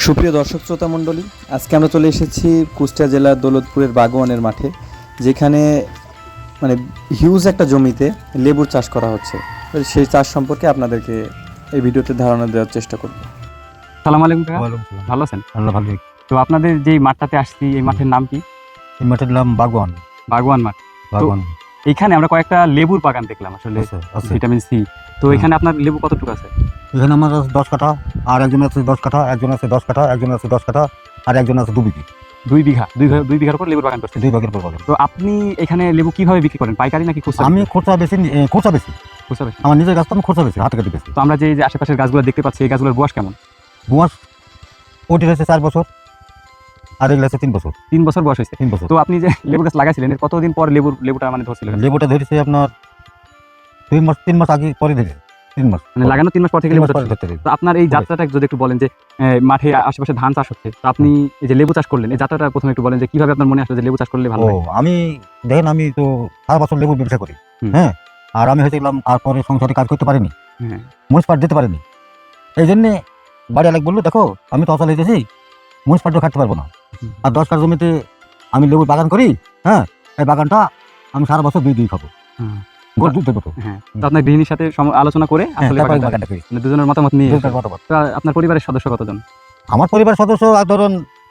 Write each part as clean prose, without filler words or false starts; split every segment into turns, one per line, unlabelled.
সুপ্রিয় দর্শক শ্রোতা মণ্ডলী, আজকে আমরা চলে এসেছি কুষ্টিয়া জেলার দৌলতপুরের বাগোয়ানের মাঠে, যেখানে মানে হিউজ একটা জমিতে লেবুর চাষ করা হচ্ছে। তো সেই চাষ সম্পর্কে আপনাদেরকে এই ভিডিওতে ধারণা দেওয়ার চেষ্টা করব।
সালাম আলাইকুম কাকা, ভালো আছেন?
ভালো।
তো আপনাদের যে মাঠটাতে আসছি, এই মাঠের নাম কি?
এই মাঠের নাম বাগওয়ান।
বাগওয়ান মাঠ। এইখানে আমরা কয়েকটা লেবুর বাগান দেখলাম, আসলে ভিটামিন সি। তো এখানে আপনার লেবু কতটুকু আছে?
এখানে আমার 10 কাঠা, আর একজন আছে 10 কাঠা, একজন আছে 10 কাঠা, একজন আছে 10 কাঠা, আর একজন আছে 2 বিঘি।
2 বিঘার উপর লেবুর বাগান করছেন?
2 ভাগের পর বাগান।
তো আপনি এখানে লেবু কিভাবে বিক্রি করেন, পাইকারি নাকি খুচরা?
আমি খরচা বেশি। আমার নিজের গাছ তো আমি খরচা বেশি, হাতে কাটি বেশি।
তো আমরা যে আশেপাশের গাছগুলো দেখতে পাচ্ছি, এই গাছগুলোর বয়স কেমন?
বয়স ওটি হয়েছে 4 বছর, আর এগুলো আছে 3 বছর।
3 বছর বয়স হয়েছে।
3 বছর।
তো আপনি যে লেবু গাছ লাগাইছিলেন, এর কতদিন পর লেবুটা মানে ধরছিল?
লেবুটা ধরেছে আপনার 3 মাস আগে, পরে থেকে 3 মাস,
মানে লাগানো 3 মাস পর থেকে লেবু ধরছিল।
ধরতে।
তো আপনার এই যাত্রাটা যদি একটু বলেন, যে মাঠে আশেপাশে ধান চাষ হচ্ছে, তো আপনি এই যে লেবু চাষ করলেন, এই যাত্রাটা প্রথমে একটু বলেন যে কিভাবে আপনার মনে আসলো যে লেবু চাষ করলে ভালো হয়?
আমি দেখেন, আমি তো সারা বছর লেবুর ব্যবসা করি, হ্যাঁ। আর আমি হয়েছিলাম, আর পরে সংসারে কাজ করতে পারিনি, মুনিসিপাল দিতে পারিনি। এই জন্যে বাড়ি আলেক বললো, দেখো আমি তো অচল হয়েছি, মুনিসিপালটা খাটতে পারবো না। আর 10 কাঠা জমিতে আমি লেবুর বাগান করি, হ্যাঁ। এই বাগানটা আমি সারা বছর 2 খাবো, গড় দুধ দেবো।
হ্যাঁ, তো আপনার গৃহিণীর সাথে আলোচনা করে আসলে
বাগানটা করি,
মানে দুজনের মতামত নিয়ে। তো আপনার পরিবারের সদস্য কতজন?
আমার পরিবার সদস্য আর ধরুন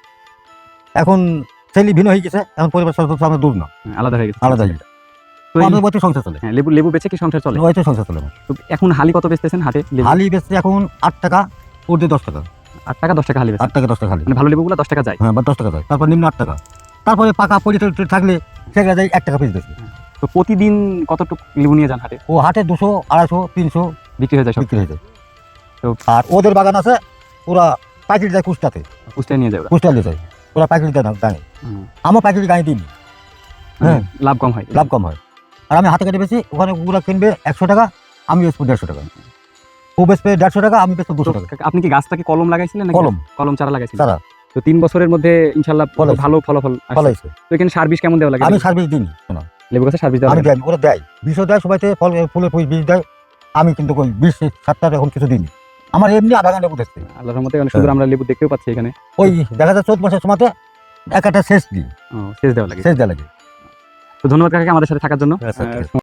এখন ছেলে ভিন্ন হয়ে গেছে, এখন পরিবার সদস্য আমার দূর না,
আলাদা হয়ে গেছে।
আলাদা হয়ে গেছে।
তো
আমাদের বইতে সংসার চলে।
হ্যাঁ, লেবু বেচে কি সংসার চলে?
ওইতে সংসার চলে।
তো এখন হালি কত বেচতেছেন হাটে?
হালি বেচছে এখন 8 টাকা, উর্ধে 10 টাকা।
8 টাকা 10 টাকা হালি বেচে?
8 টাকা 10 টাকা হালি।
মানে ভালো লেবুগুলো 10 টাকা যায়?
হ্যাঁ, 10 টাকা যায়। তারপর নিম্ন 8 টাকা, তারপরে পাকা পড়ে থাকলে সেগুলো যায় 1 টাকা পিস বেচবে।
তো প্রতিদিন কতটুকু লেবু নিয়ে যান হাটে?
ও হাটে 200, 250, 300
বিক্রি হয়ে যায়?
বিক্রি হয়ে যায়।
তো
আর ওদের বাগান আছে, ওরা পাইকারি যায় কুষ্টাতে,
কুষ্টিয়া নিয়ে যাবে?
কুষ্টা নিয়ে যায়, ওরা পাইকারি দেয় না গায়ে। আমার পাইকারি গায়ে দিইনি, হ্যাঁ,
লাভ কম হয়?
লাভ কম হয়। আর আমি হাতে কেটে বেশি, ওখানে ওগুলো কিনবে 100 টাকা, আমি বেচবো 150 টাকা। ও বেচবে 150 টাকা, আমি বেচবো 200 টাকা।
আপনি কি গাছটাকে কলম লাগাইছিলেন নাকি কলম চারা লাগাইছিলেন?
চারা।
তো 3 বছরের মধ্যে ইনশাআল্লাহ ভালো ফলাফল আসছে। তো এখানে সার বিষ কেমন দেওয়া লাগে?
আমি সার বিষ দিইনি, শোনা,
লেবু গাছে সার বিষ দেওয়া
আমি দেয়, ওরা দেয়, বিষও দেয়, সবাইতে ফুলের বীজ দেয়। আমি কিন্তু ওই বিষ সারটা এখন কিছু দিইনি, আমার এমনি বাগান লেবু দেখতে।
আল্লাহর রহমতে অনেক সুন্দর আমরা লেবু দেখতেও পাচ্ছি এখানে।
ওই দেখা যায় 14 মাসের সময়তে একটা সেচ দিই,
সেচ দেওয়া লাগে।
সেচ দেওয়া লাগে।
তো ধন্যবাদ কাকাকে আমাদের সাথে থাকার জন্য।